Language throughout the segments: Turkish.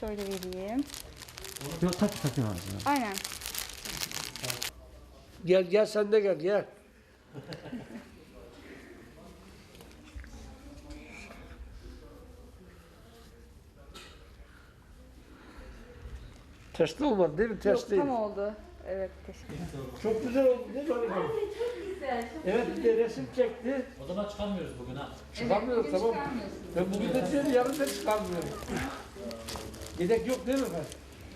şöyle vereyim. Yok takayım abi. Aynen. Gel sen de gel. Test olmadı değil mi? Test Yok, değil. tam oldu. Evet, teşekkür ederim. Çok güzel oldu değil mi? Anne Çok güzel. evet bir de resim çekti. O zaman çıkamıyoruz bugün ha. Çıkamıyoruz tamam. Ben bugün de diyorum yarın da çıkamıyorum. Yedek yok değil mi efendim?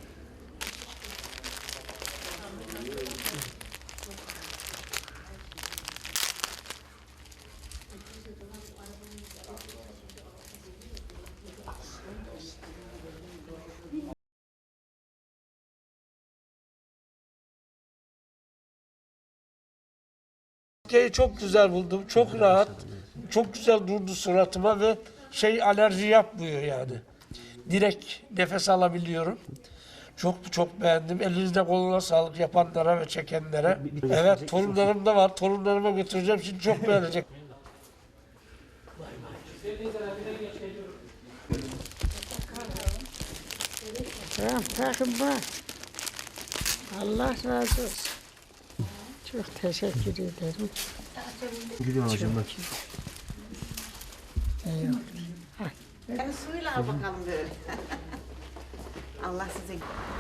Çok güzel buldum, çok rahat, çok güzel durdu suratıma ve alerji yapmıyor yani. Direkt nefes alabiliyorum. Çok beğendim. Elinizde koluna sağlık yapanlara ve çekenlere. Evet, torunlarım da var. Torunlarıma götüreceğim. Şimdi çok beğenecek. Tamam, takım var. Allah razı olsun. Çok teşekkür ederim. Gidiyorum hocam bak. Eyvallah. Yani suyla al bakalım böyle. Allah size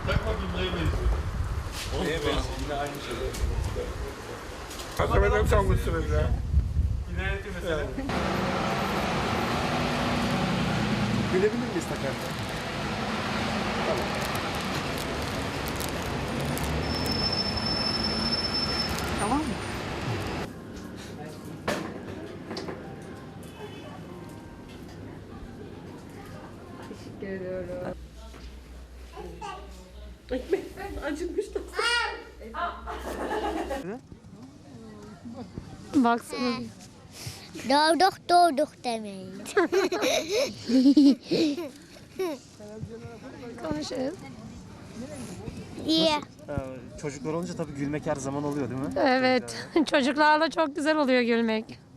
Hakikaten sanmışsınız ya. Gülebilir miyiz takarken? tamam mı? Teşekkür ediyorum. Baksana. Doğduk demeyin. Konuşuyoruz. İyi. Çocuklar olunca tabii gülmek her zaman oluyor değil mi? Evet. Çocuklarla çok güzel oluyor gülmek.